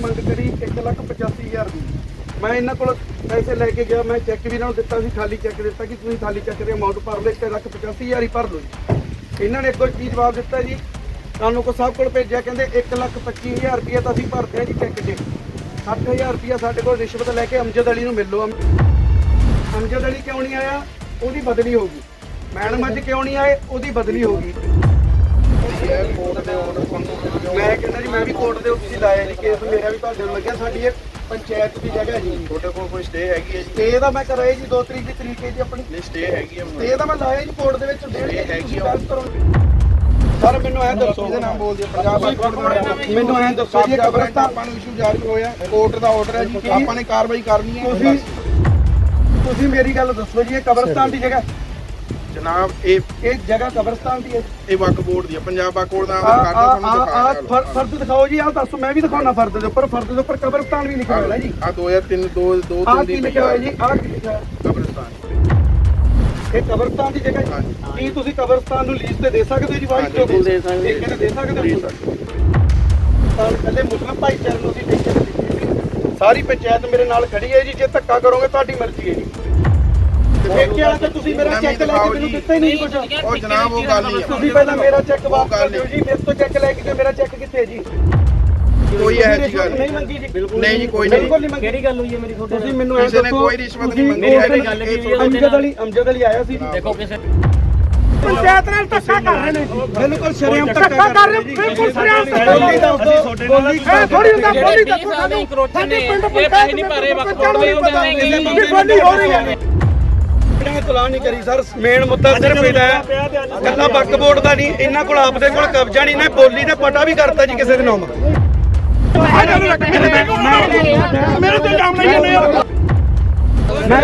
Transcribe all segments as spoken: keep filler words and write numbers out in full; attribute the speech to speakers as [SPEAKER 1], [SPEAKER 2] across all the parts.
[SPEAKER 1] ਮੰਗ ਕਰੀ ਇੱਕ ਲੱਖ ਪਚਾਸੀ ਹਜ਼ਾਰ ਦੀ। ਮੈਂ ਇਹਨਾਂ ਕੋਲ ਪੈਸੇ ਲੈ ਕੇ ਗਿਆ, ਮੈਂ ਚੈੱਕ ਵੀ ਇਹਨਾਂ ਨੂੰ ਦਿੱਤਾ ਸੀ, ਖਾਲੀ ਚੈੱਕ ਦਿੱਤਾ ਕਿ ਤੁਸੀਂ ਖਾਲੀ ਚੈੱਕ ਦੇ ਅਮਾਊਂਟ ਭਰ ਲਓ, ਇੱਕ ਲੱਖ ਪਚਾਸੀ ਹਜ਼ਾਰ ਹੀ ਭਰ ਲਓ ਜੀ। ਇਹਨਾਂ ਨੇ ਅੱਗੋਂ ਕੀ ਜਵਾਬ ਦਿੱਤਾ ਜੀ, ਤੁਹਾਨੂੰ ਕੋ ਸਾਹਿਬ ਕੋਲ ਭੇਜਿਆ, ਕਹਿੰਦੇ ਇੱਕ ਲੱਖ ਪੱਚੀ ਹਜ਼ਾਰ ਰੁਪਈਆ ਤਾਂ ਅਸੀਂ ਭਰਦੇ ਹਾਂ ਜੀ ਚੈੱਕ 'ਚ, ਸੱਠ ਹਜ਼ਾਰ ਰੁਪਈਆ ਸਾਡੇ ਕੋਲ ਰਿਸ਼ਵਤ ਲੈ ਕੇ ਅਮਜਦ ਅਲੀ ਨੂੰ ਮਿਲ ਲਓ। ਅਮਜਦ ਅਲੀ ਕਿਉਂ ਨਹੀਂ ਆਇਆ? ਉਹਦੀ ਬਦਲੀ ਹੋ ਗਈ। ਮੈਡਮ ਅੱਜ ਕਿਉਂ ਨਹੀਂ ਆਏ? ਉਹਦੀ ਬਦਲੀ ਹੋ ਗਈ। ਮੈਂ ਕਹਿੰਦਾ ਜੀ ਮੈਂ ਵੀ ਕੋਰਟ ਦੇ ਉੱਤੇ ਲਾਇਆ ਜੀ ਕੇਸ, ਮੇਰਾ ਵੀ ਤੁਹਾਡੇ ਨੂੰ ਲੱਗਿਆ। ਸਾਡੀ ਇਹ ਪੰਚਾਇਤ ਦੀ ਜਗ੍ਹਾ ਜੀ,
[SPEAKER 2] ਤੁਹਾਡੇ ਕੋਲ ਕੋਈ ਸਟੇ ਹੈਗੀ ਹੈ ਜੀ?
[SPEAKER 1] ਸਟੇ ਦਾ ਮੈਂ ਕਰਾਇਆ ਜੀ ਦੋ ਤਰੀਕ ਦੀ ਤਰੀਕ ਹੈ ਜੀ ਆਪਣੀ।
[SPEAKER 2] ਨਹੀਂ ਸਟੇ ਹੈਗੀ ਹੈ?
[SPEAKER 1] ਸਟੇ ਦਾ ਮੈਂ ਲਾਇਆ ਜੀ ਕੋਰਟ ਦੇ ਵਿੱਚ, ਡੇਢ
[SPEAKER 2] ਹੈਗੀ
[SPEAKER 1] ਸਰ ਮੈਨੂੰ ਐਂ ਦੱਸੋ,
[SPEAKER 2] ਇਹਦੇ ਨਾਮ ਬੋਲਦੀ ਪੰਜਾਬ
[SPEAKER 1] ਮੈਨੂੰ ਐਂ ਦੱਸੋ ਜੀ ਕਬਰਸਤਾਨ
[SPEAKER 2] ਆਪਾਂ ਨੂੰ ਇਸ਼ੂ ਜਾਰੀ ਹੋਇਆ, ਕੋਰਟ ਦਾ ਆਰਡਰ ਹੈ ਜੀ, ਆਪਾਂ ਨੇ ਕਾਰਵਾਈ ਕਰਨੀ ਹੈ।
[SPEAKER 1] ਤੁਸੀਂ ਤੁਸੀਂ ਮੇਰੀ ਗੱਲ ਦੱਸੋ ਜੀ, ਇਹ ਕਬਰਸਤਾਨ ਦੀ ਜਗ੍ਹਾ
[SPEAKER 2] ਜਨਾਬ ਇਹ
[SPEAKER 1] ਇਹ ਜਗ੍ਹਾ ਕਬਰਸਤਾਨ ਦੀ ਹੈ?
[SPEAKER 2] ਇਹ ਵਕਫ ਬੋਰਡ ਦੀ ਹੈ, ਪੰਜਾਬ ਵਕਫ ਬੋਰਡ ਦਾ
[SPEAKER 1] ਆ ਆ ਫਰਦ ਦਿਖਾਓ ਜੀ, ਆਹ ਦੱਸੋ। ਮੈਂ ਵੀ ਦਿਖਾਉਣਾ ਫਰਦ ਦੇ ਉੱਪਰ, ਫਰਦ ਦੇ ਉੱਪਰ ਕਬਰਸਤਾਨ ਵੀ ਲਿਖਿਆ ਹੋਇਆ ਜੀ।
[SPEAKER 2] ਆ ਦੋ ਹਜ਼ਾਰ ਤਿੰਨ ਦੋ ਦੋ
[SPEAKER 1] ਆਹ ਕੀ ਲਿਖਿਆ ਹੋਇਆ ਜੀ? ਆਹ ਕੀ ਲਿਖਿਆ
[SPEAKER 2] ਕਬਰਸਤਾਨ,
[SPEAKER 1] ਇਹ ਕਬਰਸਤਾਨ ਦੀ ਜਗ੍ਹਾ ਜੀ। ਕੀ ਤੁਸੀਂ ਕਬਰਸਤਾਨ ਨੂੰ ਲੀਜ਼ ਤੇ ਦੇ ਸਕਦੇ ਹੋ ਜੀ? ਵਾਈਸ ਤੋਂ ਦੇ ਸਕਦੇ ਹੋ, ਦੇ ਸਕਦੇ ਹੋ। ਤਾਂ ਪਹਿਲੇ ਮੁਸਲਿਮ ਭਾਈਚਾਰੇ ਨੂੰ ਅਸੀਂ ਠੇਕੇ ਤੇ ਦਿੱਤੀ, ਸਾਰੀ ਪੰਚਾਇਤ ਮੇਰੇ ਨਾਲ ਖੜੀ ਹੈ ਜੀ। ਜੇ ਧੱਕਾ ਕਰੋਗੇ ਤੁਹਾਡੀ ਮਰਜ਼ੀ ਹੈ ਜੀ। ਠੇਕੇ ਵਾਲਾ ਤਾਂ ਤੁਸੀਂ ਮੇਰਾ ਚੈੱਕ ਲੈ ਕੇ ਮੈਨੂੰ ਦਿੱਤਾ ਹੀ ਨਹੀਂ ਕੁਝ।
[SPEAKER 2] ਉਹ ਜਨਾਬ ਉਹ ਗੱਲ ਨਹੀਂ,
[SPEAKER 1] ਤੁਸੀਂ ਪਹਿਲਾਂ ਮੇਰਾ ਚੈੱਕ ਵਾਪਸ ਕਰ ਦਿਓ ਜੀ। ਮੇਰੇ ਤੋਂ ਚੈੱਕ ਲੈ ਕੇ ਮੇਰਾ ਚੈੱਕ ਕਿੱਥੇ ਜੀ?
[SPEAKER 2] ਕੋਈ ਇਹੋ ਜਿਹੀ ਗੱਲ
[SPEAKER 1] ਨਹੀਂ ਮੰਗੀ ਜੀ,
[SPEAKER 2] ਨਹੀਂ ਜੀ, ਕੋਈ ਨਹੀਂ।
[SPEAKER 1] ਬਿਲਕੁਲ ਨਹੀਂ ਮੰਗੀ।
[SPEAKER 3] ਕਿਹੜੀ ਗੱਲ ਹੋਈ ਹੈ ਮੇਰੀ ਤੁਹਾਡੇ
[SPEAKER 1] ਤੁਸੀਂ ਮੈਨੂੰ ਐਂ ਦੱਸੋ,
[SPEAKER 2] ਕੋਈ ਰਿਸ਼ਵਤ ਨਹੀਂ ਮੰਗੀ।
[SPEAKER 3] ਮੇਰੀ ਗੱਲ ਕੀ ਹੋਈ ਹੈ?
[SPEAKER 1] ਅਮਜਦ ਅਲੀ ਅਮਜਦ ਅਲੀ ਆਇਆ ਸੀ।
[SPEAKER 3] ਦੇਖੋ ਕਿਸੇ
[SPEAKER 1] ਪੰਚਾਇਤ ਨਾਲ ਧੱਕਾ ਕਰ ਰਹੇ ਨੇ, ਬਿਲਕੁਲ ਸ਼ਰੇਆਮ ਧੱਕਾ ਕਰ ਰਹੇ ਨੇ, ਬਿਲਕੁਲ ਸ਼ਰੇਆਮ ਧੱਕਾ। ਬੋਲੀ ਦੱਸ ਦੋ, ਬੋਲੀ ਥੋੜੀ ਹੁੰਦਾ, ਬੋਲੀ ਦੱਸੋ ਸਾਨੂੰ। ਸਾਡੇ ਪਿੰਡ ਪੰਚਾਇਤ ਨਹੀਂ ਭਰੇ ਵਕਤ ਬੋਲੀ ਬੋਲੀ ਹੋ ਰਹੀ ਹੈ। ਤਲਾ ਨਹੀਂ ਕਰੀ ਸਰ, ਮੇਨ ਮੁੱਦਾ ਸਿਰਫ ਇਹਦਾ ਹੈ, ਕੱਲਾ ਵਕਫ ਬੋਰਡ ਦਾ ਨਹੀਂ, ਇਹਨਾਂ ਕੋਲ ਆਪਦੇ ਕੋਲ ਕਬਜ਼ਾ ਨਹੀਂ, ਨਾ ਬੋਲੀ ਦਾ ਪਟਾ ਵੀ ਕਰਤਾ ਜੀ ਕਿਸੇ ਦੇ ਨਾਮ। ਮੇਰੇ ਤੇ ਇਲਜ਼ਾਮ ਲਾਈ ਜਾਂਦੇ ਆ। ਮੈਂ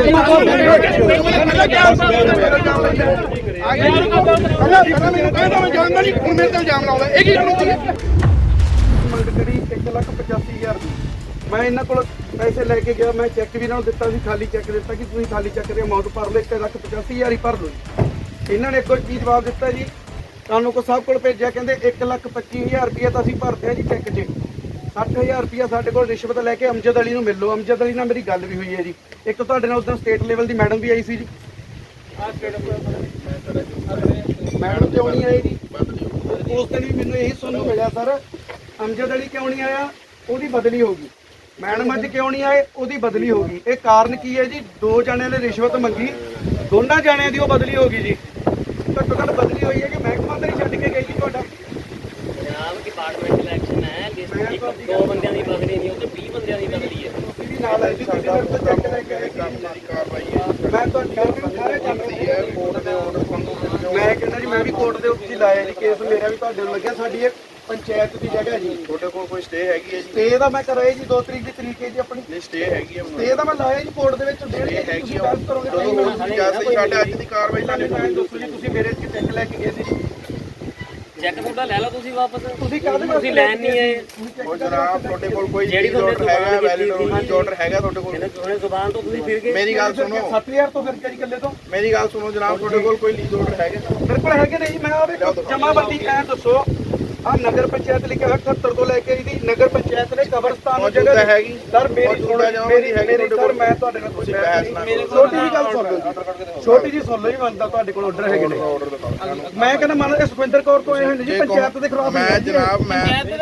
[SPEAKER 1] ਜਾਣਦਾ ਨਹੀਂ, ਹੁਣ ਮੇਰੇ ਤੇ ਇਲਜ਼ਾਮ ਲਾਉਂਦਾ। ਇਹ ਕੀ ਮੰਗ ਕਰੀ ਇੱਕ ਲੱਖ ਪਚਾਸੀ ਹਜ਼ਾਰ ਦੀ। ਮੈਂ ਇਹਨਾਂ ਕੋਲ ਪੈਸੇ ਲੈ ਕੇ ਗਿਆ, ਮੈਂ ਚੈੱਕ ਵੀ ਇਹਨਾਂ ਨੂੰ ਦਿੱਤਾ ਸੀ, ਖਾਲੀ ਚੈੱਕ ਦਿੱਤਾ ਕਿ ਤੁਸੀਂ ਖਾਲੀ ਚੈੱਕ ਦੇ ਅਮਾਊਂਟ ਭਰ ਲਓ, ਇੱਕ ਲੱਖ ਪਚਾਸੀ ਹਜ਼ਾਰ ਹੀ ਭਰ ਲਓ ਜੀ। ਇਹਨਾਂ ਨੇ ਅੱਗੋਂ ਕੀ ਜਵਾਬ ਦਿੱਤਾ ਜੀ, ਤੁਹਾਨੂੰ ਕੋ ਸਾਹਿਬ ਕੋਲ ਭੇਜਿਆ, ਕਹਿੰਦੇ ਇੱਕ ਲੱਖ ਪੱਚੀ ਹਜ਼ਾਰ ਰੁਪਈਆ ਤਾਂ ਅਸੀਂ ਭਰਦੇ ਹਾਂ ਜੀ ਚੈੱਕ 'ਚ, ਸੱਠ ਹਜ਼ਾਰ ਰੁਪਈਆ ਸਾਡੇ ਕੋਲ ਰਿਸ਼ਵਤ ਲੈ ਕੇ ਅਮਜਦ ਅਲੀ ਨੂੰ ਮਿਲ ਲਓ। ਅਮਜਦ ਅਲੀ ਨਾਲ ਮੇਰੀ ਗੱਲ ਵੀ ਹੋਈ ਹੈ ਜੀ। ਇੱਕ ਤੁਹਾਡੇ ਨਾਲ ਉਦੋਂ ਸਟੇਟ ਲੈਵਲ ਦੀ ਮੈਡਮ ਵੀ ਆਈ ਸੀ ਜੀ। ਮੈਡਮ ਕਿਉਂ ਨਹੀਂ ਆਈ ਜੀ? ਉਸ ਦਿਨ ਵੀ ਮੈਨੂੰ ਇਹੀ ਸੁਣਨ ਨੂੰ ਮਿਲਿਆ ਸਰ, ਅਮਜਦ ਅਲੀ ਕਿਉਂ ਨਹੀਂ ਆਇਆ? ਉਹਦੀ ਬਦਲੀ ਹੋ ਗਈ। ਮੈਡਮ ਅੱਜ ਕਿਉਂ ਨਹੀਂ ਆਏ? ਉਹਦੀ ਬਦਲੀ ਹੋ ਗਈ। ਇਹ ਕਾਰਨ ਕੀ ਹੈ ਜੀ? ਦੋ ਜਣਿਆਂ ਨੇ ਰਿਸ਼ਵਤ ਮੰਗੀ, ਦੋਨਾਂ ਜਣਿਆਂ ਦੀ ਉਹ ਬਦਲੀ ਹੋ ਗਈ ਜੀ। ਘੱਟੋ ਘੱਟ ਬਦਲੀ ਹੋਈ ਹੈ ਕਿ ਮਹਿਕਮਾ ਤਾਂ ਨਹੀਂ ਛੱਡ ਕੇ ਗਈ ਜੀ ਤੁਹਾਡਾ?
[SPEAKER 3] ਜਨਾਬ ਡਿਪਾਰਟਮੈਂਟ ਇਲੈਕਸ਼ਨ ਹੈ, ਦੋ ਬੰਦਿਆਂ ਦੀ ਬਦਲੀ ਨਹੀਂ, ਉਹ ਤੇ ਵੀਹ ਬੰਦਿਆਂ ਦੀ ਬਦਲੀ ਹੈ।
[SPEAKER 1] ਤੁਸੀਂ ਵੀ ਨਾਲ ਆਏ ਜੀ, ਤੁਸੀਂ ਮੇਰੇ ਤੋਂ ਚੈੱਕ ਲੈ ਕੇ ਆਏ
[SPEAKER 2] ਦੀ ਕਾਰਵਾਈ ਹੈ।
[SPEAKER 1] ਮੈਂ ਤੁਹਾਡੀ ਗੱਲ ਨੂੰ ਸਾਰੇ ਜਾਣਦੀ ਹੈ।
[SPEAKER 2] ਕੋਰਟ ਦੇ ਆਰਡਰ
[SPEAKER 1] ਮੈਂ ਕਹਿੰਦਾ ਜੀ ਮੈਂ ਵੀ ਕੋਰਟ ਦੇ ਉੱਤੇ ਲਾਇਆ ਜੀ ਕੇਸ, ਮੇਰਾ ਵੀ ਤੁਹਾਡੇ ਨੂੰ ਲੱਗਿਆ। ਸਾਡੀ ਇਹ ਪੰਚਾਇਤ ਦੀ ਜਗ੍ਹਾ ਜੀ।
[SPEAKER 2] ਤੁਹਾਡੇ ਕੋਲ ਕੋਈ ਸਟੇ ਹੈਗੀ ਹੈ ਜੀ?
[SPEAKER 1] ਸਟੇ ਦਾ ਮੈਂ ਕਰਾਇਆ ਜੀ ਦੋ ਤਰੀਕ ਦੀ ਤਰੀਕ ਹੈ ਜੀ ਆਪਣੀ।
[SPEAKER 2] ਨਹੀਂ ਸਟੇ ਹੈਗੀ ਹੈ?
[SPEAKER 1] ਸਟੇ ਦਾ ਮੈਂ ਲਾਇਆ ਜੀ ਕੋਰਟ ਦੇ ਵਿੱਚ, ਡੇਢ
[SPEAKER 2] ਇਹ ਹੈਗੀ
[SPEAKER 1] ਤੁਸੀਂ
[SPEAKER 2] ਆ।
[SPEAKER 1] ਬਹਿਸ ਕਰੋਗੇ
[SPEAKER 2] ਜਦੋਂ
[SPEAKER 1] ਨਹੀਂ।
[SPEAKER 2] ਹੁਣ ਜੈਸੇ ਸਾਡੇ ਅੱਜ ਦੀ ਕਾਰਵਾਈ
[SPEAKER 1] ਸਾਡੇ ਨਾਲ ਦੱਸੋ ਜੀ, ਤੁਸੀਂ ਮੇਰੇ ਚ ਚੈੱਕ ਲੈ ਕੇ ਗਏ ਸੀ।
[SPEAKER 3] ਚੈੱਕ ਤੁਹਾਡਾ ਲੈ ਲਓ ਤੁਸੀਂ ਵਾਪਸ।
[SPEAKER 1] ਤੁਸੀਂ ਕਾਹਦੇ
[SPEAKER 3] ਤੁਸੀਂ ਲੈਣ ਨਹੀਂ ਆਏ?
[SPEAKER 2] ਉਹ ਜਨਾਬ ਤੁਹਾਡੇ ਕੋਲ ਕੋਈ
[SPEAKER 3] ਜਿਹੜੀ ਤੁਹਾਡੇ
[SPEAKER 2] ਆਰਡਰ ਹੈਗਾ, ਵੈਲਿਡ ਆਰਡਰ ਹੈਗਾ ਤੁਹਾਡੇ ਕੋਲ?
[SPEAKER 3] ਉਹਨੇ ਜ਼ੁਬਾਨ ਤੋਂ ਤੁਸੀਂ ਫਿਰ ਗਏ।
[SPEAKER 2] ਮੇਰੀ ਗੱਲ ਸੁਣੋ,
[SPEAKER 1] ਸੱਤ ਹਜ਼ਾਰ ਤੋਂ ਫਿਰ ਕੇ ਜੀ ਇਕੱਲੇ ਤੋਂ।
[SPEAKER 2] ਮੇਰੀ ਗੱਲ ਸੁਣੋ ਜਨਾਬ, ਤੁਹਾਡੇ ਕੋਲ ਕੋਈ ਲੀਜ਼ ਆਰਡਰ ਹੈਗਾ?
[SPEAKER 1] ਮੇਰੇ ਕੋਲ ਹੈਗੇ ਨਹੀਂ। ਮੈਂ ਆਵੇ ਜਮਾਬੰਦੀ ਐ ਦੱਸੋ, ਆ ਨਗਰ ਪੰਚਾਇਤ ਲਿਖਿਆ ਹੋਇਆ ਅਠੱਤਰ ਤੋਂ ਲੈ ਕੇ ਇਹਦੀ ਨਗਰ ਪੰਚਾਇਤ ਨੇ ਕਬਰਸਤਾਨ ਦੀ ਜਗ੍ਹਾ ਹੈਗੀ ਸਰ। ਮੇਰੀ ਮੇਰੀ ਮੇਰੀ ਸਰ ਮੈਂ ਤੁਹਾਡੇ ਨਾਲ ਕੁਝ ਬਹਿਸ ਨਾ ਕਰੋ। ਛੋਟੀ ਜੀ ਗੱਲ ਸੁਣ ਲਓ ਜੀ, ਛੋਟੀ ਜੀ ਸੁਣ ਲਓ ਜੀ। ਮੰਨਦਾ ਤੁਹਾਡੇ ਕੋਲ ਆਰਡਰ ਹੈਗੇ ਨੇ, ਮੈਂ ਕਹਿੰਦਾ ਮੰਨ ਇਹ ਸੁਖਵਿੰਦਰ ਕੌਰ ਤੋਂ ਇਹ ਜੀ ਪੰਚਾਇਤ ਦੇ ਖਿਲਾਫ।
[SPEAKER 2] ਮੈਂ ਜਨਾਬ ਮੈਂ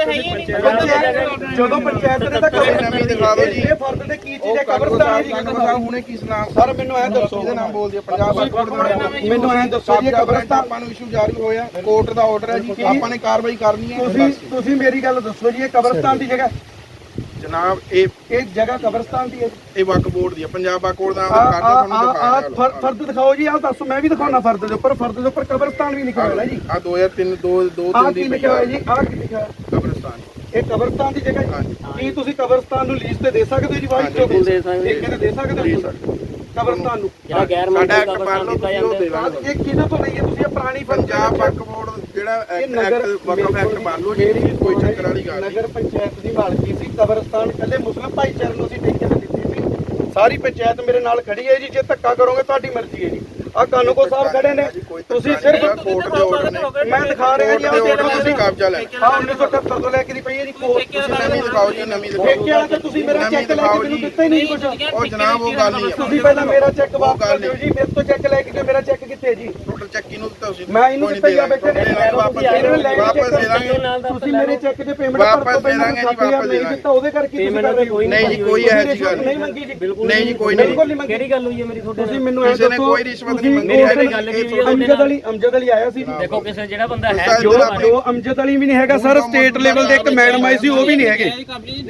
[SPEAKER 1] ਜਦੋਂ ਪੰਚਾਇਤ ਨੇ ਤਾਂ
[SPEAKER 2] ਨਵੀਂ ਦਿਖਾ ਦਿਓ ਜੀ।
[SPEAKER 1] ਇਹ ਫਰਦ ਦੇ ਕੀ ਚੀਜ਼ ਹੈ ਕਬਰਸਤਾਨ ਦੀ?
[SPEAKER 2] ਹੁਣੇ ਕੀ ਨਾਮ
[SPEAKER 1] ਸਰ ਮੈਨੂੰ ਐ ਦੱਸੋ,
[SPEAKER 2] ਇਹਦੇ ਨਾਮ ਬੋਲਦੀ ਹੈ ਪੰਜਾਬ ਵਕਫ।
[SPEAKER 1] ਮੈਨੂੰ ਐ ਦੱਸੋ ਜੀ ਕਬਰਸਤਾਨ
[SPEAKER 2] ਆਪਾਂ ਨੂੰ ਇਸ਼ੂ ਜਾਰੀ ਹੋਇਆ, ਕੋਰਟ ਦਾ ਆਰਡਰ ਹੈ ਜੀ, ਆਪਾਂ ਨੇ ਕਾਰਵਾਈ ਕਰਨੀ ਹੈ।
[SPEAKER 1] ਤੁਸੀਂ ਤੁਸੀਂ ਮੇਰੀ ਗੱਲ ਦੱਸੋ ਜੀ, ਇਹ ਕਬਰਸਤਾਨ ਦੀ ਜਗ੍ਹਾ
[SPEAKER 2] ਜਨਾਬ ਇਹ
[SPEAKER 1] ਇਹ ਜਗ੍ਹਾ ਕਬਰਸਤਾਨ ਦੀ ਹੈ?
[SPEAKER 2] ਇਹ ਵਕਫ ਬੋਰਡ ਦੀ ਹੈ, ਪੰਜਾਬ ਵਕਫ ਬੋਰਡ ਦਾ ਆਰਡਰ ਤੁਹਾਨੂੰ ਦਿਖਾਇਆ।
[SPEAKER 1] ਫਰਦ ਦਿਖਾਓ ਜੀ, ਆਹ ਦੱਸੋ। ਮੈਂ ਵੀ ਦਿਖਾਉਣਾ ਫਰਦ ਦੇ ਉੱਪਰ, ਫਰਦ ਦੇ ਉੱਪਰ ਕਬਰਸਤਾਨ ਵੀ ਲਿਖਿਆ ਹੋਇਆ ਜੀ।
[SPEAKER 2] ਆ ਦੋ ਹਜ਼ਾਰ ਤਿੰਨ ਦੋ ਦੋ
[SPEAKER 1] ਆਹ
[SPEAKER 2] ਤਿੰਨ
[SPEAKER 1] ਕੀ
[SPEAKER 2] ਦੀ
[SPEAKER 1] ਲਿਖਿਆ ਹੋਇਆ ਜੀ? ਆਹ ਕੀ ਲਿਖਿਆ?
[SPEAKER 2] ਕਬਰਸਤਾਨ।
[SPEAKER 1] ਇਹ ਕਬਰਸਤਾਨ ਦੀ ਜਗ੍ਹਾ ਜੀ। ਕੀ ਤੁਸੀਂ ਕਬਰਸਤਾਨ ਨੂੰ ਲੀਜ਼ ਤੇ ਦੇ ਸਕਦੇ ਹੋ ਜੀ? ਵਾਈਸ ਤੋਂ
[SPEAKER 3] ਦੇ ਸਕਦੇ
[SPEAKER 1] ਠੇਕੇ ਤੇ ਦੇ ਸਕਦੇ ਹੋ ਕਬਰਸਤਾਨ ਨੂੰ?
[SPEAKER 3] ਜਿਹੜਾ ਗੈਰ
[SPEAKER 2] ਸਾਡਾ
[SPEAKER 3] ਮੰਤਰੀ
[SPEAKER 2] ਐਕਟ ਪੜ੍ਹ ਲਓ ਤੁਸੀਂ, ਉਹ ਦੇ ਦਾਂਗੇ।
[SPEAKER 1] ਇਹ ਕਿਹਨਾਂ ਤੋਂ ਲਈ ਹੈ ਤੁਸੀਂ? ਇਹ ਪੁਰਾਣੀ
[SPEAKER 2] ਪੰਜਾਬ ਵਕਫ ਬੋਰਡ ਜਿਹੜਾ ਐਕਟ ਵਕਫ ਐਕਟ ਪੜ੍ਹ ਲਓ ਜੀ, ਕੋਈ ਚੱਕਰ ਵਾਲੀ ਗੱਲ ਨਹੀਂ।
[SPEAKER 1] ਨਗਰ ਪੰਚਾਇਤ ਦੀ ਮਾਲਕੀ ਸੀ ਕਬਰਸਤਾਨ, ਪਹਿਲੇ ਮੁਸਲਿਮ ਭਾਈਚਾਰੇ ਨੂੰ ਅਸੀਂ ਠੇਕੇ ਤੇ ਦਿੱਤੀ ਸੀ। ਸਾਰੀ ਪੰਚਾਇਤ ਮੇਰੇ ਨਾਲ ਖੜੀ ਹੈ ਜੀ। ਜੇ ਧੱਕਾ ਕਰੋਗੇ ਤੁਹਾਡੀ ਮਰਜ਼ੀ ਹੈ ਜੀ। ਆ ਕਾਨੂੰਗੋ ਸਾਹਿਬ ਖੜੇ ਨੇ, ਤੁਸੀਂ ਸਿਰਫ
[SPEAKER 2] ਕੋਰਟ ਦੇ ਆਰਡਰ ਨੇ,
[SPEAKER 1] ਮੈਂ ਦਿਖਾ ਰਿਹਾ ਜੀ, ਆਹ
[SPEAKER 2] ਕੋਰਟ ਦੇ
[SPEAKER 1] ਦੇਖੋ
[SPEAKER 2] ਆਰਡਰ
[SPEAKER 1] ਤੁਸੀਂ
[SPEAKER 2] ਨੇ ਕਬਜ਼ਾ ਲੈ
[SPEAKER 1] ਹਾਂ ਉੱਨੀ ਸੌ ਅਠੱਤਰ ਤੋਂ ਲੈ ਕੇ ਦੀ ਪਈ ਹੈ ਜੀ ਕੋਰਟ।
[SPEAKER 2] ਤੁਸੀਂ ਨਵੀਂ ਦਿਖਾਓ ਜੀ, ਨਵੀਂ ਦਿਖਾਓ।
[SPEAKER 1] ਠੇਕੇ ਵਾਲਾ ਤੇ ਤੁਸੀਂ ਮੇਰਾ ਚੈੱਕ ਲੈ ਕੇ ਮੈਨੂੰ ਦਿੱਤਾ ਹੀ ਨਹੀਂ ਕੁਝ।
[SPEAKER 2] ਉਹ ਜਨਾਬ ਉਹ ਗੱਲ ਨਹੀਂ
[SPEAKER 1] ਤੁਸੀਂ ਪਹਿਲਾਂ ਮੇਰਾ ਚੈੱਕ ਵਾਪਸ ਕਰ ਦਿਓ ਜੀ, ਮੇਰੇ ਤੋਂ ਚੈੱਕ ਲੈ ਕੇ ਗਏ, ਮੇਰਾ ਚੈੱਕ ਕਿੱਥੇ ਜੀ?
[SPEAKER 2] ਟੋਟਲ ਚੈੱਕ ਕਿਹਨੂੰ ਦਿੱਤਾ ਤੁਸੀਂ?
[SPEAKER 1] ਮੈਂ ਇਹਨੂੰ ਦਿੱਤਾ ਹੀ ਆ ਬੈਠੇ ਨੇ,
[SPEAKER 2] ਵਾਪਸ ਦੇ ਦਾਂਗੇ,
[SPEAKER 1] ਤੁਸੀਂ ਮੇਰੇ ਚੈੱਕ ਦੇ ਪੇਮੈਂਟ
[SPEAKER 2] ਵਾਪਸ ਦੇ ਦਾਂਗੇ ਜੀ, ਵਾਪਸ ਦੇ
[SPEAKER 1] ਦਿੱਤਾ ਉਹਦੇ ਕਰਕੇ ਤੁਸੀਂ ਕਰ ਰਹੇ ਹੋ।
[SPEAKER 2] ਨਹੀਂ ਜੀ ਕੋਈ ਇਹੋ ਜਿਹੀ ਗੱਲ
[SPEAKER 1] ਨਹੀਂ ਮੰਗੀ ਜੀ, ਬਿਲਕੁਲ
[SPEAKER 2] ਨਹੀਂ ਜੀ ਕੋਈ ਨਹੀਂ।
[SPEAKER 1] ਬਿਲਕੁਲ ਨਹੀਂ ਮੰਗੀ।
[SPEAKER 3] ਕਿਹੜੀ ਗੱਲ ਹੋਈ ਹੈ ਮੇਰੀ ਤੁਹਾਡੇ
[SPEAKER 1] ਤੁਸੀਂ ਮੈਨੂੰ ਇਹ
[SPEAKER 2] ਕਿਸੇ ਨੇ
[SPEAKER 1] ਦੱਸੋ,
[SPEAKER 2] ਕੋਈ ਰਿਸ਼ਵਤ ਨਹੀਂ ਮੰਗੀ।
[SPEAKER 3] ਮੇਰੀ ਗੱਲ ਕੀ ਹੋਈ ਹੈ?
[SPEAKER 1] ਅਮਜਦ ਅਲੀ ਅਮਜਦ ਅਲੀ ਆਇਆ ਸੀ ਜੀ।
[SPEAKER 3] ਦੇਖੋ ਕਿਸੇ ਜਿਹੜਾ ਬੰਦਾ ਹੈ
[SPEAKER 1] ਜੋ ਜੋ ਅਮਜਦ ਅਲੀ ਵੀ ਨਹੀਂ ਹੈਗਾ ਸਰ, ਸਟੇਟ ਲੈਵਲ ਦੇ ਇੱਕ ਮੈਡਮ ਆਈ ਸੀ, ਉਹ ਵੀ ਨਹੀਂ ਹੈਗੇ।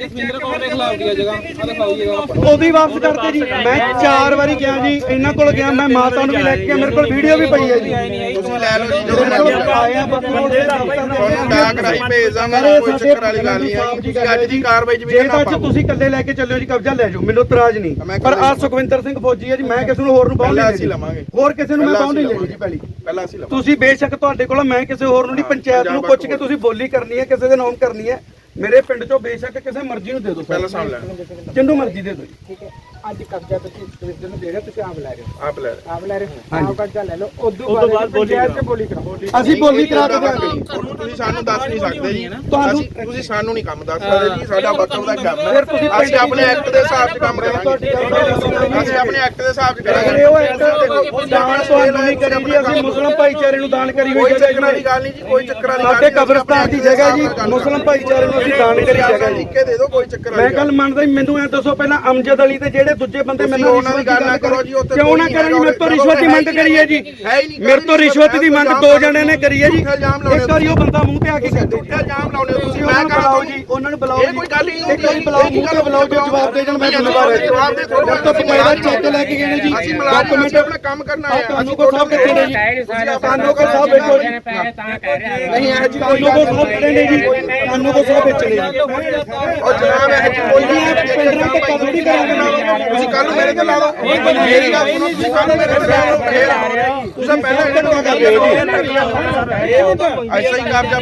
[SPEAKER 1] ਉਹਦੀ ਵਾਪਸ ਕਰਤੇ ਜੀ। ਮੈਂ ਚਾਰ ਵਾਰੀ ਗਿਆ ਜੀ, ਇਹਨਾਂ ਕੋਲ ਗਿਆ, ਮੈਂ ਮਾਤਾ ਨੂੰ ਵੀ ਲੈ ਕੇ ਗਿਆ, ਮੇਰੇ ਕੋਲ ਵੀਡੀਓ ਵੀ ਪਈ ਹੈ ਜੀ।
[SPEAKER 2] ਤੁਸੀਂ ਲੈ ਲਓ ਜੀ, ਜਦੋਂ
[SPEAKER 1] ਮੇਰੇ ਕੋਲ
[SPEAKER 2] ਮਰਜ਼ੀ
[SPEAKER 1] ਆਇਆ ਬੰਦੇ ਦੇ
[SPEAKER 2] ਤੁਹਾਨੂੰ ਡਾਕ ਰਾਹੀਂ ਭੇਜ ਦਾਂਗਾ, ਕੋਈ ਚੱਕਰ ਵਾਲੀ ਗੱਲ ਨਹੀਂ ਹੈ। ਤੁਸੀਂ ਅੱਜ ਦੀ ਕਾਰਵਾਈ 'ਚ ਵੀ
[SPEAKER 1] ਜੇ
[SPEAKER 2] ਨਾ
[SPEAKER 1] ਤਾਂ
[SPEAKER 2] ਪਾਓ।
[SPEAKER 1] ਤੁਸੀਂ ਇਕੱਲੇ ਲੈ ਕੇ ਚੱਲਿਓ ਜੀ, ਕਬਜ਼ਾ ਲੈ ਜਾਓ, ਮੈਨੂੰ ਇਤਰਾਜ਼ ਨਹੀਂ। ਪਰ ਆ ਸੁਖਵਿੰਦਰ ਸਿੰਘ ਫੌਜੀ ਹੈ ਜੀ, ਮੈਂ ਕਿਸੇ ਨੂੰ ਹੋਰ ਨੂੰ ਪਾਉਣ
[SPEAKER 2] ਪਹਿਲਾਂ
[SPEAKER 1] ਨਹੀਂ
[SPEAKER 2] ਅਸੀਂ
[SPEAKER 1] ਦੇਣੀ।
[SPEAKER 2] ਲਵਾਂਗੇ।
[SPEAKER 1] ਹੋਰ ਕਿਸੇ ਨੂੰ ਮੈਂ
[SPEAKER 2] ਪਹਿਲਾਂ
[SPEAKER 1] ਪਾਉਣ ਨਹੀਂ
[SPEAKER 2] ਅਸੀਂ
[SPEAKER 1] ਦੇਣੀ ਜੀ ਪਹਿਲੀ।
[SPEAKER 2] ਪਹਿਲਾਂ ਅਸੀਂ ਲਵਾਂਗੇ।
[SPEAKER 1] ਤੁਸੀਂ ਬੇਸ਼ੱਕ ਤੁਹਾਡੇ ਕੋਲ, ਮੈਂ ਕਿਸੇ ਹੋਰ ਨੂੰ ਨਹੀਂ, ਪੰਚਾਇਤ ਨੂੰ ਪੁੱਛ ਕੇ ਤੁਸੀਂ ਬੋਲੀ ਕਰਨੀ ਹੈ, ਕਿਸੇ ਦੇ ਨਾਮ ਕਰਨੀ ਹੈ, ਮੇਰੇ ਪਿੰਡ ਚੋਂ ਬੇਸ਼ੱਕ ਕਿਸੇ ਮਰਜ਼ੀ ਨੂੰ ਦੇ ਦਿਓ,
[SPEAKER 2] ਪਹਿਲਾਂ ਸਾਂਭ ਲੈਣਾ,
[SPEAKER 1] ਜਿੰਨੂੰ ਮਰਜ਼ੀ ਦੇ ਦਿਓ ਜੀ।
[SPEAKER 4] ਠੀਕ ਹੈ, ਅੱਜ ਕਬਜ਼ਾ ਤੁਸੀਂ ਸਟੇਸ਼ਨ ਨੂੰ ਦੇ ਰਹੇ ਹੋ, ਤੁਸੀਂ ਆਪ ਲੈ ਰਹੇ ਹੋ,
[SPEAKER 2] ਆਪ ਲੈ ਲੈ।
[SPEAKER 4] ਆਪ ਲੈ ਰਹੇ ਹੋ, ਆਪ ਕਬਜ਼ਾ ਲੈ ਲਓ, ਉਦੋਂ ਬਾਅਦ ਪੰਚਾਇਤ ਤੇ ਬੋਲੀ ਕਰਾਓ।
[SPEAKER 1] ਅਸੀਂ ਬੋਲੀ ਕਰਾ ਕੇ ਦਿਆਂਗੇ ਜੀ।
[SPEAKER 2] ਤੁਸੀਂ ਸਾਨੂੰ ਦੱਸ ਨਹੀਂ ਸਕਦੇ ਜੀ,
[SPEAKER 1] ਤੁਹਾਨੂੰ-
[SPEAKER 2] ਅਸੀਂ ਤੁਸੀਂ ਸਾਨੂੰ ਨਹੀਂ ਕੰਮ ਦੱਸ ਸਕਦੇ ਜੀ, ਸਾਡਾ ਵਕਤ ਦਾ ਕੰਮ ਹੈ।
[SPEAKER 1] ਫਿਰ ਤੁਸੀਂ
[SPEAKER 2] ਅਸੀਂ ਆਪਣੇ ਐਕਟ ਦੇ ਹਿਸਾਬ 'ਚ ਕੰਮ ਕਰਾਂਗੇ, ਅਸੀਂ ਆਪਣੇ ਐਕਟ ਦੇ ਹਿਸਾਬ 'ਚ ਕਰਾਂਗੇ।
[SPEAKER 1] ਉਹ ਇੱਕ ਦਾਨ ਤੁਹਾਨੂੰ ਨਹੀਂ ਕਰੀ ਜੀ, ਅਸੀਂ ਮੁਸਲਮ ਭਾਈਚਾਰੇ ਨੂੰ ਦਾਨ ਕਰੀ ਹੋਈ
[SPEAKER 2] ਕੋਈ
[SPEAKER 1] ਜਗ੍ਹਾ
[SPEAKER 2] ਚੱਕਰ ਵਾਲੀ ਗੱਲ ਨਹੀਂ ਜੀ, ਕੋਈ ਚੱਕਰ ਵਾਲੀ ਗੱਲ
[SPEAKER 1] ਸਾਡੇ
[SPEAKER 2] ਨਹੀਂ।
[SPEAKER 1] ਕਬਰਸਤਾਨ ਦੀ ਜਗ੍ਹਾ ਜੀ, ਮੁਸਲਮ ਭਾਈਚਾਰੇ ਨੂੰ ਅਸੀਂ ਦਾਨ ਕਰੀ ਜਗ੍ਹਾ ਜੀ।
[SPEAKER 2] ਲਿਖ ਕੇ ਦੇ ਦਿਓ, ਕੋਈ ਚੱਕਰ
[SPEAKER 1] ਮੈਂ
[SPEAKER 2] ਵਾਲੀ
[SPEAKER 1] ਗੱਲ ਮੰਨਦਾ ਜੀ, ਮੈਨੂੰ ਐ ਦੱਸੋ ਪਹਿਲਾਂ ਅਮਜਦ ਅਲੀ ਤੇ ਜਿਹੜੇ ਦੂਜੇ ਬੰਦੇ ਮੈਨੂੰ
[SPEAKER 2] ਉਹਨਾਂ ਦੀ ਗੱਲ ਨਾ ਕਰੋ ਜੀ, ਉੱਥੇ
[SPEAKER 1] ਕਿਉਂ ਨਾ ਕਰਾਂ ਜੀ? ਮੇਰੇ ਤੋਂ ਰਿਸ਼ਵਤ ਦੀ ਮੰਗ ਕਰੀ ਹੈ ਜੀ, ਮੇਰੇ ਤੋਂ ਰਿਸ਼ਵਤ ਦੀ ਮੰਗ ਦੋ ਜਣਿਆਂ ਨੇ ਕਰੀ ਹੈ ਜੀ। ਇੱਕ ਵਾਰੀ ਉਹ ਬੰਦਾ ਮੂੰਹ ਤੇ ਆ ਕੇ ਕਹਿੰਦੇ ਜੀ,
[SPEAKER 2] ਇਲਜ਼ਾਮ ਲਾਉਣੇ ਹੋ ਤੁਸੀਂ,
[SPEAKER 1] ਉਹਨਾਂ
[SPEAKER 2] ਮੈਂ
[SPEAKER 1] ਨੂੰ
[SPEAKER 2] ਕਹਾਂ
[SPEAKER 1] ਬੁਲਾਓ ਜੀ, ਉਹਨਾਂ ਨੂੰ ਬੁਲਾਓ
[SPEAKER 2] ਇਹ
[SPEAKER 1] ਜੀ,
[SPEAKER 2] ਕੋਈ ਗੱਲ ਹੀ
[SPEAKER 1] ਇੱਕ ਵਾਰੀ ਬੁਲਾਓ, ਮੂੰਹ ਤੇ ਬੁਲਾਓ, ਜੋ ਜਵਾਬ ਦੇ ਦੇਣ ਮੈਂ ਜ਼ਿੰਮੇਵਾਰ ਹਾਂ।
[SPEAKER 2] ਜਵਾਬ ਦੇ ਥੋੜਾ
[SPEAKER 1] ਮੇਰੇ ਤੋਂ ਬਕਾਇਦਾ ਚੈੱਕ ਲੈ ਕੇ ਗਏ ਨੇ ਜੀ,
[SPEAKER 2] ਅਸੀਂ ਮੁਲਾਜ਼ਮ ਅਸੀਂ ਆਪਣਾ ਕੰਮ ਕਰਨਾ ਹੈ।
[SPEAKER 1] ਕਾਨੂੰਗੋ ਸਾਹਿਬ ਕਿੱਥੇ ਨੇ ਜੀ? ਕਾਨੂੰਗੋ ਸਾਹਿਬ ਬੈਠੋ ਜੀ।
[SPEAKER 2] ਨਹੀਂ ਇਹ ਜੀ ਕੋਈ
[SPEAKER 1] ਕਾਨੂੰਗੋ ਸਾਹਿਬ ਖੜੇ ਨੇ ਜੀ, ਕਾਨੂੰਗੋ ਸਾਹਿਬ ਵਿੱਚ ਨੇ ਜੀ।
[SPEAKER 2] ਉਹ ਜਨਾਬ ਇਹ ਜੀ ਕੋਈ
[SPEAKER 1] ਜੀ ਇਹ ਪਿੰਡਾਂ ਤੇ ਕਬਰ ਨਹੀਂ ਕਰਾਂਗੇ।
[SPEAKER 2] ਤੁਸੀਂ ਕੱਲ ਮੇਰੇ ਤੇ ਲਾ ਦਿਓ, ਮੇਰੀ ਗੱਲ ਸੁਣੋ, ਤੁਸੀਂ ਕੱਲ ਮੇਰੇ ਤੇ ਲਾ ਦਿਓ, ਫੇਰ ਤੁਸੀਂ ਪਹਿਲਾਂ ਇਹਨਾਂ ਨੂੰ ਕਰ ਦਿਓ ਜੀ, ਐਸਾ ਹੀ ਕਾਬਜਾ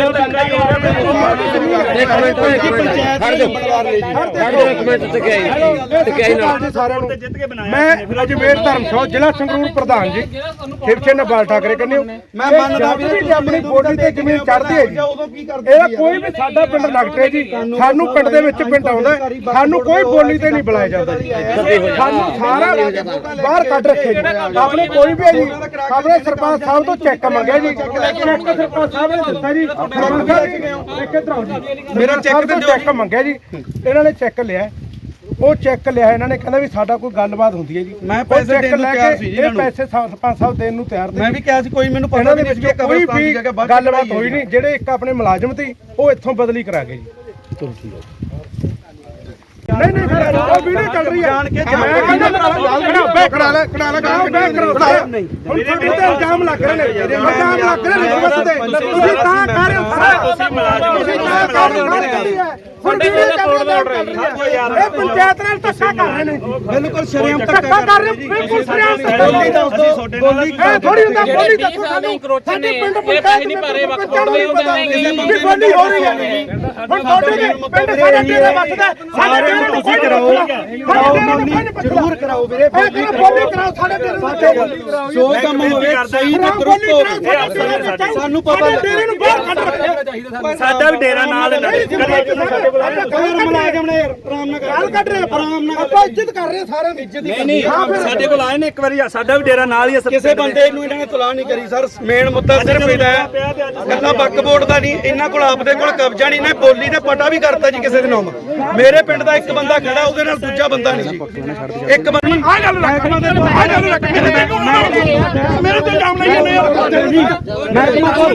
[SPEAKER 5] ਮੈਂ ਅਜਮੇਰ ਧਰਮਸ਼ਾਲਾ ਜ਼ਿਲ੍ਹਾ ਸੰਗਰੂਰ ਪ੍ਰਧਾਨ ਜੀ, ਸ਼ਿਵ ਸੈਨਾ ਬਾਲ ਠਾਕਰੇ ਕਹਿੰਦੇ ਹੋ।
[SPEAKER 1] ਮੈਂ ਮੰਨਦਾ ਵੀ
[SPEAKER 5] ਵੀ ਆਪਣੀ ਬੋਡੀ ਤੇ ਜ਼ਮੀਨ ਚੜ੍ਹਦੀ ਹੈ ਜੀ,
[SPEAKER 1] ਉਦੋਂ ਕੀ ਕਰਦੇ
[SPEAKER 5] ਇਹਦਾ ਕੋਈ ਵੀ ਸਾਡਾ ਪਿੰਡ ਲੱਗਦਾ ਹੈ ਜੀ, ਸਾਨੂੰ ਪਿੰਡ ਦੇ ਵਿੱਚ ਪਿੰਡ ਆਉਂਦਾ ਹੈ, ਸਾਨੂੰ ਕੋਈ ਬੋਲੀ ਤੇ ਨਹੀਂ ਬੁਲਾਇਆ ਜਾਂਦਾ ਜੀ, ਸਾਨੂੰ ਸਾਰਾ ਬਾਹਰ ਕੱਢ ਰੱਖੇ ਜੀ। ਆਪਣੇ ਕੋਈ ਵੀ ਹੈ ਜੀ, ਆਪਣੇ ਸਰਪੰਚ ਸਾਹਿਬ ਤੋਂ ਚੈੱਕ ਮੰਗਿਆ ਜੀ, ਚੈੱਕ ਸਰਪੰਚ ਸਾਹਿਬ ਨੇ ਦਿੱਤਾ ਜੀ, ਸਰਪੰਚ ਸਾਹਿਬ ਇੱਕ ਇੱਧਰ ਆਓ ਜੀ, ਮੇਰਾ ਚੈੱਕ ਤੇ ਚੈੱਕ ਮੰਗਿਆ ਜੀ, ਇਹਨਾਂ ਨੇ ਚੈੱਕ ਲਿਆ, ਉਹ ਚੈੱਕ ਲਿਆ ਇਹਨਾਂ ਨੇ, ਕਹਿੰਦਾ ਵੀ ਸਾਡਾ ਕੋਈ ਗੱਲਬਾਤ ਹੁੰਦੀ ਹੈ ਜੀ,
[SPEAKER 1] ਮੈਂ ਪੈਸੇ
[SPEAKER 5] ਉਹ check
[SPEAKER 1] ਦੇਣ ਨੂੰ
[SPEAKER 5] ਲੈ
[SPEAKER 1] ਤਿਆਰ
[SPEAKER 5] ਕੇ
[SPEAKER 1] ਸੀ ਜੀ
[SPEAKER 5] ਇਹ
[SPEAKER 1] ਇਹਨਾਂ ਨੂੰ।
[SPEAKER 5] ਪੈਸੇ ਸਰਪੰਚ ਸਾਹਿਬ ਦੇਣ ਨੂੰ ਤਿਆਰ
[SPEAKER 1] ਮੈਂ ਵੀ ਕਿਹਾ ਸੀ, ਕੋਈ ਮੈਨੂੰ ਪਤਾ
[SPEAKER 5] ਇਹਨਾਂ
[SPEAKER 1] ਵੀ
[SPEAKER 5] ਦੇ
[SPEAKER 1] ਨਹੀਂ
[SPEAKER 5] ਵਿੱਚ
[SPEAKER 1] ਸੀ
[SPEAKER 5] ਕੋਈ
[SPEAKER 1] ਕਬਰਸਤਾਨ ਦੀ
[SPEAKER 5] ਵੀ
[SPEAKER 1] ਜਗ੍ਹਾ ਬਾਅਦ
[SPEAKER 5] ਗੱਲਬਾਤ ਹੋਈ ਨਹੀਂ, ਜਿਹੜੇ ਇੱਕ ਆਪਣੇ ਮੁਲਾਜ਼ਮ ਸੀ ਉਹ ਇੱਥੋਂ ਬਦਲੀ ਕਰਾ ਗਏ ਜੀ। ਨਹੀਂ ਨਹੀਂ ਉਹ ਵੀਡੀਓ ਚੱਲ ਰਹੀ ਹੈ,
[SPEAKER 1] ਜਾਣ ਕੇ
[SPEAKER 5] ਮੈਂ ਕਹਿੰਦਾ ਬੈਕ ਕਰਾ ਲੈ ਕਰਾ ਲੈ ਕਰਾ ਬੈਕ ਕਰਾ
[SPEAKER 1] ਨਹੀਂ
[SPEAKER 5] ਹੁਣ ਤੁਹਾਡੇ ਤੇ ਇਲਜ਼ਾਮ ਲੱਗ ਰਹੇ ਨੇ, ਇਲਜ਼ਾਮ ਲੱਗ ਰਹੇ ਨੇ ਰਿਸ਼ਵਤ ਦੇ, ਤੁਸੀਂ ਤਾਂ ਕਰ ਰਹੇ ਹੋ, ਤੁਸੀਂ ਮੁਲਾਜ਼ਮ ਤੁਸੀਂ ਤਾਂ ਕਰ ਰਹੇ ਹੋ, ਹੁਣ ਵੀਡੀਓ ਚੱਲ ਰਹੀ ਹੈ, ਇਹ ਪੰਚਾਇਤ ਨਾਲ ਧੱਕਾ ਕਰ ਰਹੇ ਨੇ,
[SPEAKER 1] ਬਿਲਕੁਲ ਸ਼ਰਮ
[SPEAKER 5] ਧੱਕਾ ਕਰ ਰਹੇ ਬਿਲਕੁਲ ਸ਼ਰਮ
[SPEAKER 1] ਬੋਲੀ ਦੱਸ ਦਿਓ, ਬੋਲੀ
[SPEAKER 5] ਇਹ ਥੋੜੀ ਹੁੰਦਾ ਬੋਲੀ ਦੱਸੋ ਸਾਨੂੰ, ਸਾਡੇ ਪਿੰਡ ਪੰਚਾਇਤ ਨਹੀਂ ਭਰੇ ਵਕਤ ਬੋਲਦੇ ਹੁੰਦੇ ਵੀ ਬੋਲੀ ਹੋ ਰਹੀ ਹੈ, ਹੁਣ ਤੁਹਾਡੇ ਦੇ ਪਿੰਡ ਸਾਡੇ ਤੇਰੇ ਵਸਦਾ, ਸਾਡੇ ਪਿੰਡ ਨੂੰ ਕੋਈ ਕਰਾਓ
[SPEAKER 1] ਕਰਾਓ ਬੋਲੀ ਜ਼ਰੂਰ ਕਰਾਓ ਵੀਰੇ,
[SPEAKER 5] ਬੋਲੀ ਕਰਾਓ, ਸਾਡੇ ਤੇਰੇ ਨੂੰ
[SPEAKER 1] ਜੋ ਕੰਮ ਹੋਵੇ ਸਹੀ ਤੇ ਦਰੁਸਤ ਹੋਵੇ, ਸਾਨੂੰ ਪਤਾ
[SPEAKER 5] ਤੇਰੇ ਨੂੰ ਬਾਹਰ ਕੱਢ ਰੱਖਿਆ,
[SPEAKER 6] ਸਾਡਾ ਵੀ ਡੇਰਾ ਨਾਲ
[SPEAKER 1] ਕਮਰ ਮੁਲਾਜ਼ਮ ਨੇ ਆਰਾਮ ਨਾਲ
[SPEAKER 5] ਗੱਲ ਕੱਢ ਰਹੇ ਆਰਾਮ ਨਾਲ, ਆਪਾਂ ਇੱਜ਼ਤ ਕਰ ਰਹੇ ਸਾਰਿਆਂ ਦੀ ਇੱਜ਼ਤ
[SPEAKER 6] ਨਹੀਂ ਨਹੀਂ ਸਾਡੇ ਕੋਲ ਆਏ ਨੇ ਇੱਕ ਵਾਰੀ, ਸਾਡਾ ਵੀ ਡੇਰਾ ਨਾਲ ਹੀ ਹੈ।
[SPEAKER 1] ਕਿਸੇ ਬੰਦੇ ਨੂੰ ਇਹਨਾਂ ਨੇ ਤਲਾਹ ਨਹੀਂ ਕਰੀ ਸਰ, ਮੇਨ ਮੁੱਦਾ ਸਿਰਫ ਇਹਦਾ ਹੈ, ਕੱਲਾ ਬੱਕ ਬੋਰਡ ਦਾ ਨਹੀਂ, ਇਹਨਾਂ ਕੋਲ ਆਪਦੇ ਕੋਲ ਕਬਜ਼ਾ ਨਹੀਂ, ਨਾ ਬੋਲੀ ਤੇ ਪਟਾ ਵੀ ਕਰਤਾ ਜੀ ਕਿਸੇ ਦੇ ਨਾਮ। ਮੇਰੇ ਪਿੰਡ ਦਾ ਇੱਕ ਬੰਦਾ ਖੜਾ, ਉਹਦੇ ਨਾਲ ਦੂਜਾ ਬੰਦਾ ਨਹੀਂ ਜੀ, ਇੱਕ ਬੰਦਾ
[SPEAKER 5] ਆ ਗੱਲ
[SPEAKER 1] ਮਹਿਕਮਾ ਦੇ ਆ ਗੱਲ ਰੱਖ
[SPEAKER 5] ਮੇਰੇ ਤੇ ਇਲਜ਼ਾਮ ਨਹੀਂ ਜਾਂਦੇ ਯਾਰ,
[SPEAKER 1] ਮਹਿਕਮਾ ਕੋਲ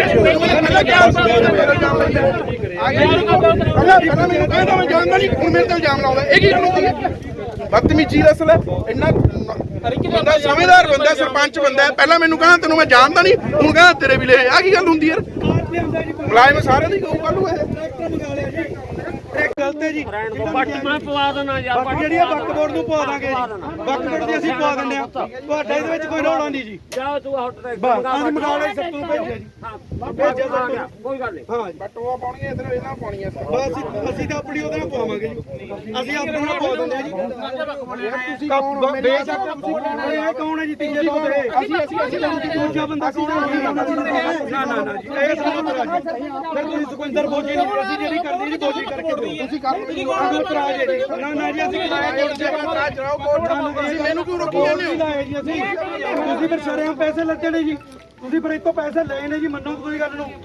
[SPEAKER 2] ਪਹਿਲਾਂ ਮੈਨੂੰ ਕਹਿੰਦਾ ਮੈਂ ਜਾਣਦਾ ਨਹੀਂ, ਹੁਣ ਮੇਰੇ ਤੇ ਇਲਜ਼ਾਮ ਲਾਉਂਦਾ, ਇਹ ਕੀ ਕਾਨੂੰਨ ਹੈ? ਬਦਤਮੀਜ਼ੀ ਦਾ ਅਸਲ ਹੈ, ਇੰਨਾ ਬੰਦਾ ਸਮਝਦਾਰ ਬੰਦਾ, ਸਰਪੰਚ ਬੰਦਾ, ਪਹਿਲਾਂ ਮੈਨੂੰ ਕਹਿੰਦਾ ਤੈਨੂੰ ਮੈਂ ਜਾਣਦਾ ਨਹੀਂ, ਹੁਣ ਕਹਿੰਦਾ ਤੇਰੇ ਵੀ ਲੈ ਆ, ਕੀ ਗੱਲ ਹੁੰਦੀ ਯਾਰ? ਮੁਲਾਜ਼ਮ ਸਾਰਿਆਂ ਦੀ ਕਹੂ ਕੱਲੂ ਇਹ
[SPEAKER 1] ਗਲਤ ਹੈ ਜੀ
[SPEAKER 3] ਪੱਟ ਮੈਂ ਪਵਾ ਦੇਣਾ ਯਾਰ
[SPEAKER 1] ਬਾਕੀ ਜਿਹੜੀ ਆ ਵਕਤ ਬੋਰਡ ਨੂੰ ਪਵਾ ਦਾਂਗੇ ਜੀ ਵਕਤ ਬੋਰਡ ਦੀ ਅਸੀਂ ਪਵਾ ਦਿੰਦੇ ਆ ਤੁਹਾਡੇ ਇਹਦੇ ਵਿੱਚ ਕੋਈ ਰੌਲਾ ਨਹੀਂ ਜੀ
[SPEAKER 3] ਜਾ ਤੂੰ ਹਟ ਤੇ
[SPEAKER 1] ਬਸ ਅਸੀਂ ਮੰਗਾ ਲਈ ਸਭ ਤੋਂ ਭੇਜਿਆ ਜੀ ਭੇਜਿਆ ਸਭ ਤੋਂ
[SPEAKER 3] ਕੋਈ ਗੱਲ ਨਹੀਂ
[SPEAKER 1] ਹਾਂ
[SPEAKER 2] ਬਟੂਆ ਪਾਉਣਗੇ ਇਧਰ ਇਹਨਾਂ ਪਾਉਣੀਆਂ
[SPEAKER 1] ਬਸ ਅਸੀਂ ਅਸੀਂ ਤਾਂ ਆਪਣੀ ਉਹਦੇ ਨਾਲ ਪਵਾਵਾਂਗੇ ਜੀ ਅਸੀਂ ਆਪਣੇ ਨਾਲ ਪਵਾ ਦਿੰਦੇ ਆ ਜੀ ਤੁਸੀਂ ਕੌਣ ਬੇਸ਼ੱਕ ਤੁਸੀਂ ਇਹ ਕੌਣ ਹੈ ਜੀ ਤੀਜੇ ਬੰਦੇ ਅਸੀਂ ਅਸੀਂ ਅਸੀਂ ਦੂਜਾ ਬੰਦਾ ਕੌਣ ਹੈ ਨਾ ਨਾ ਨਾ ਜੀ ਇਹ ਸਾਨੂੰ ਕਰਾ ਜੀ ਫਿਰ ਤੁਸੀਂ ਸੁਖਿੰਦਰ ਬੋਜੀ ਨਹੀਂ ਅਸੀਂ ਜਿਹੜੀ ਕਰਨੀ ਜੀ ਬੋਜੀ ਕਰਕੇ ਦਿਓ ਤੁਸੀਂ ਕਰ ਲਓ ਕਰਾ ਜੀ ਨਾ ਨਾ ਜੀ ਅਸੀਂ ਕਰਾਇਆ ਜੀ
[SPEAKER 2] ਰਾਜ ਰਾਓ ਕੋਟ ਤੁਸੀਂ ਮੈਨੂੰ ਕਿਉਂ ਰੋਕੀ ਜਾਂਦੇ ਹੋ
[SPEAKER 1] ਲਾਏ ਜੀ ਅਸੀਂ ਤੁਸੀਂ ਫਿਰ ਸ਼ਰੇਆਮ ਪੈਸੇ ਲੱਗੇ ਨੇ ਜੀ ਤੁਸੀਂ ਫਿਰ ਇਤੋਂ ਪੈਸੇ ਲਏ ਨੇ ਜੀ ਮੰਨੋ ਤੁਸੀਂ ਗੱਲ ਨੂੰ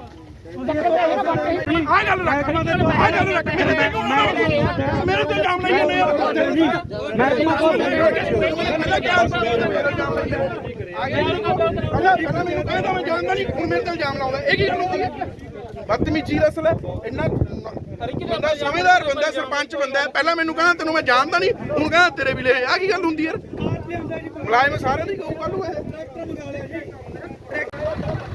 [SPEAKER 2] ਆ ਗੱਲ ਰੱਖ ਆ ਗੱਲ ਰੱਖ ਮੇਰੇ ਤੇ ਕਿਉਂ ਨਾ ਮੇਰੇ ਤੇ ਇਲਜ਼ਾਮ ਲਾਈ ਜਾਂਦੇ ਹੋ
[SPEAKER 1] ਜੀ ਮੈਂ
[SPEAKER 2] ਪਹਿਲਾਂ ਕਿਹਾ ਪਹਿਲਾਂ ਪਹਿਲਾਂ ਮੈਨੂੰ ਕਹਿੰਦਾ ਮੈਂ ਜਾਣਦਾ ਨਹੀਂ ਹੁਣ ਮੇਰੇ ਤੇ ਇਲਜ਼ਾਮ ਲਾਉਂਦਾ ਇਹ ਕੀ ਗੱਲ ਹੁੰਦੀ ਹੈ ਬਦਤਮੀਜ਼ੀ ਦਾ ਅਸਲ ਹੈ ਇੰਨਾ ਬੰਦਾ ਸਮਝਦਾਰ ਬੰਦਾ ਸਰਪੰਚ ਬੰਦਾ ਪਹਿਲਾਂ ਮੈਨੂੰ ਕਹਿੰਦਾ ਤੈਨੂੰ ਮੈਂ ਜਾਣਦਾ ਨਹੀਂ ਹੁਣ ਕਹਿੰਦਾ ਤੇਰੇ ਵੀ ਲੈ ਆ ਕੀ ਗੱਲ ਹੁੰਦੀ ਯਾਰ ਮੁਲਾਜ਼ਮ ਸਾਰਿਆਂ ਦੀ ਕਹੂ ਕੱਲੂ ਇਹ